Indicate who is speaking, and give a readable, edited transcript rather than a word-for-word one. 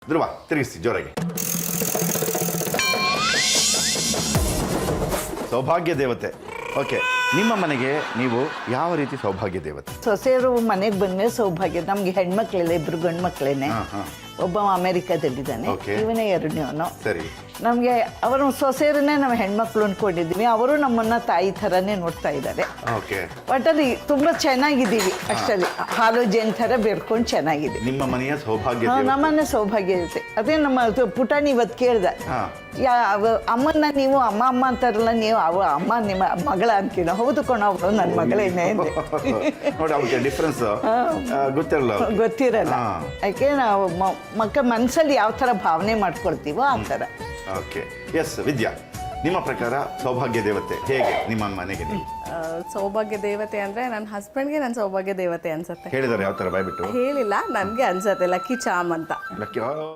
Speaker 1: ಧ್ರುವ ತಿರುಗಿಸಿ ಜೋರಾಗಿ. ಸೌಭಾಗ್ಯ ದೇವತೆ. ಓಕೆ, ನಿಮ್ಮ ಮನೆಗೆ ನೀವು ಯಾವ ರೀತಿ ಸೌಭಾಗ್ಯ ದೇವತೆ?
Speaker 2: ಸೊಸೆಯರು ಮನೆಗೆ ಬಂದ್ಮೇಲೆ ಸೌಭಾಗ್ಯ. ನಮ್ಗೆ ಹೆಣ್ಮಕ್ಳೆಲ್ಲ ಇಬ್ರು ಗಂಡು ಮಕ್ಳೇನೆ. ಒಬ್ಬ ಅಮೆರಿಕಾದಲ್ಲಿದ್ದಾನೆ,
Speaker 1: Okay.
Speaker 2: ಇವನೇ ಎರಡನೇವನು.
Speaker 1: ಸರಿ.
Speaker 2: ನಮಗೆ ಅವರು ಸೊಸೆಯರನ್ನೇ ನಾವು ಹೆಣ್ಮಕ್ಳು ಅಂದ್ಕೊಂಡಿದ್ವಿ. ಅವರು ನಮ್ಮನ್ನ ತಾಯಿ ಥರನೇ ನೋಡ್ತಾ ಇದ್ದಾರೆ.
Speaker 1: ಓಕೆ,
Speaker 2: ಒಟ್ಟಲ್ಲಿ ತುಂಬ ಚೆನ್ನಾಗಿದ್ದೀವಿ. ಅಷ್ಟಲ್ಲಿ ಹಾಲು ಜೇನ್ ಥರ ಬೆರ್ಕೊಂಡು ಚೆನ್ನಾಗಿದೆ.
Speaker 1: ನಿಮ್ಮ ಮನೆಯ ಸೌಭಾಗ್ಯ ದೇವತೆ.
Speaker 2: ನಮ್ಮನ್ನೇ ಸೌಭಾಗ್ಯ ಇರುತ್ತೆ. ಅದೇ ನಮ್ಮ ಪುಟಾಣಿ ಇವತ್ತು ಕೇಳ್ದೆ, ಅಮ್ಮನ್ನ ನೀವು ಅಮ್ಮ ಅಮ್ಮ ಅಂತಾರಲ್ಲ, ನೀವು ಅಮ್ಮ ನಿಮ್ಮ ಮಗಳ ಅಂತೀನ? ಹೌದು ಕಣ, ಅವರು ನನ್ನ ಮಗಳೇನೆ ಅಂದೆ.
Speaker 1: ನೋಡಿ, ಅವ್ರಿಗೆ ಡಿಫ್ರೆನ್ಸ್ ಗೊತ್ತಿರಲ್ಲ.
Speaker 2: ಗೊತ್ತಿರಲ್ಲ. ಯಾಕೆ ನಾವು ಮನಸ್ಸಲ್ಲಿ ಯಾವ ಥರ ಭಾವನೆ ಮಾಡ್ಕೊಳ್ತೀವೋ ಆ ಥರ.
Speaker 1: ಓಕೆ, ಎಸ್ ವಿದ್ಯಾ, ನಿಮ್ಮ ಪ್ರಕಾರ ಸೌಭಾಗ್ಯ ದೇವತೆ ಹೇಗೆ ನಿಮ್ಮ ಮನೆಗೆ? ನೀವು
Speaker 3: ಸೌಭಾಗ್ಯ ದೇವತೆ ಅಂದ್ರೆ ನನ್ನ ಹಸ್ಬೆಂಡ್ಗೆ ನನ್ನ ಸೌಭಾಗ್ಯ ದೇವತೆ ಅನ್ಸುತ್ತೆ.
Speaker 1: ಹೇಳಿದಾರೆ ಯಾವ ಥರ ಬಾಯ್ಬಿಟ್ಟು?
Speaker 3: ಹೇಳಿಲ್ಲ, ನನಗೆ ಅನ್ಸತ್ತೆ ಲಕ್ಕಿ ಚಾಮ್ ಅಂತ.
Speaker 1: ಲಕ್ಕಿ